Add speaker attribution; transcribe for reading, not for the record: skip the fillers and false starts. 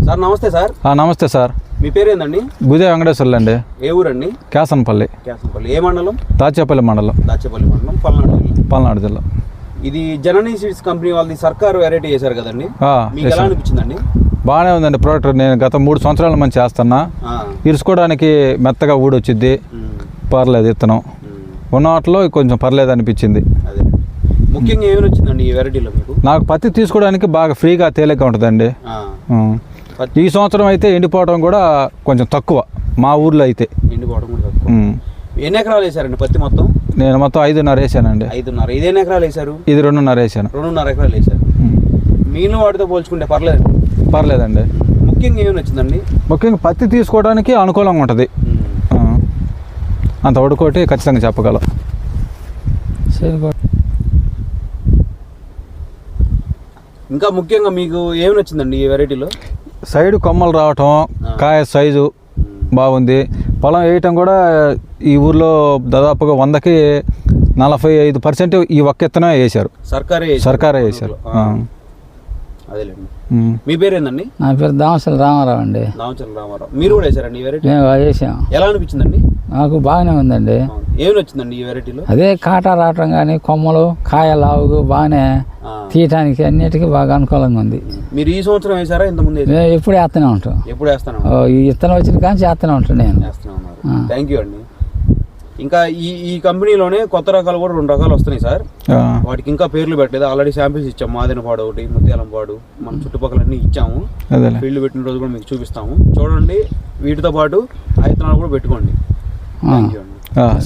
Speaker 1: Sir నమస్తే sir.
Speaker 2: నమస్తే sir.
Speaker 1: మీ పేరు ఏందండి?
Speaker 2: గుదే వెంకటేశ్వర్లు అండి.
Speaker 1: ఏ ఊరండి?
Speaker 2: కేసనపల్లి.
Speaker 1: కేసనపల్లి ఏ మండలం?
Speaker 2: దాచేపల్లి మండలం.
Speaker 1: దాచేపల్లి మండలం, పల్నాడు జిల్లా. ఇది జననీ సీడ్స్ కంపెనీ వాళ్ళది సర్కారు వెరైటీ చేశారు కదండి, మీకు ఎలా అనిపించిందండి?
Speaker 2: బాగానే ఉందండి ప్రోడక్ట్. నేను గత 3 సంవత్సరాల మంది చేస్తున్నా. ఇరుసుకోవడానికి మెత్తగా ఊడొచ్చిద్ది, పర్లేదు. ఇత్తనం ఉన్న వాటిలో కొంచెం పర్లేదు అనిపించింది.
Speaker 1: అదే ముఖ్యంగా ఏమైనా వచ్చిందండి ఈ వెరైటీలో మీకు?
Speaker 2: నాకు పత్తి తీసుకోవడానికి బాగా ఫ్రీగా తేలిగ్గా ఉంటుందండి. ఈ సంవత్సరం అయితే ఎండిపోవడం కూడా కొంచెం తక్కువ, మా ఊర్లో అయితే
Speaker 1: ఎండిపోవడం కూడా తక్కువ. ఎన్ని ఎకరాలు వేసారండి పత్తి మొత్తం?
Speaker 2: నేను మొత్తం 5.5 వేసానండి.
Speaker 1: 5.5. ఇది ఎన్ని ఎకరాలు వేసారు?
Speaker 2: ఇది 2.5 వేసాను.
Speaker 1: 2.5 ఎకరాలు వేసారు. మిగిలిన వాటితో పోల్చుకుంటే
Speaker 2: పర్లేదండి.
Speaker 1: ముఖ్యంగా ఏమైనా వచ్చిందండి?
Speaker 2: ముఖ్యంగా పత్తి తీసుకోవడానికి అనుకూలంగా ఉంటుంది. అంత ఒడుకోటి ఖచ్చితంగా చెప్పగలం.
Speaker 1: ఇంకా ముఖ్యంగా మీకు ఏమైనా వచ్చిందండి ఈ వెరైటీలో?
Speaker 2: సైడ్ కొమ్మలు రావటం, కాయ సైజు బాగుంది. పొలం వేయటం కూడా ఈ ఊర్లో దాదాపుగా 100కి 45% ఈ ఒక్క ఇత్తనమే వేశారు. సర్కారే వేశారు.
Speaker 1: అదేలేండి. మీ పేరు ఏందండి?
Speaker 3: నా పేరు దామచల రామారావు అండి.
Speaker 1: దామచల రామారావు. మీరు కూడా వేసారండి ఈ వెరైటీ?
Speaker 3: మేము వేసాం.
Speaker 1: ఎలా అనిపించిందండి?
Speaker 3: నాకు బాగానే ఉందండి.
Speaker 1: ఏమైనా వచ్చిందండి ఈ వెరైటీలో?
Speaker 3: అదే కాటా రావటం కానీ, కొమ్మలు కాయ లావుగు బాగానే తీయటానికి అన్నిటికీ బాగా అనుకూలంగా ఉంది.
Speaker 1: మీరు ఈ సంవత్సరం వేసారా ఇంతకుముందు?
Speaker 3: మేము ఎప్పుడు వేస్తూనే ఉంటాం.
Speaker 1: ఎప్పుడు వేస్తాను?
Speaker 3: ఈ ఇత్తనం వచ్చిన కానీ చేస్తూనే ఉంటాను నేను.
Speaker 1: థ్యాంక్ యూ అండి. ఇంకా ఈ కంపెనీలోనే కొత్త రకాలు కూడా 2 రకాలు వస్తున్నాయి సార్. వాటికి ఇంకా పేర్లు పెట్టలేదు. ఆల్రెడీ శాంపిల్స్ ఇచ్చాము. మాదినపాడు ఒకటి, ముత్యాలంపాడు, మన చుట్టుపక్కల అన్ని ఇచ్చాము. ఫీల్డ్ పెట్టిన రోజు కూడా మీకు చూపిస్తాము. చూడండి, వీటితో పాటు ఆ విత్తనాలు కూడా పెట్టుకోండి. థ్యాంక్ యూ అండి.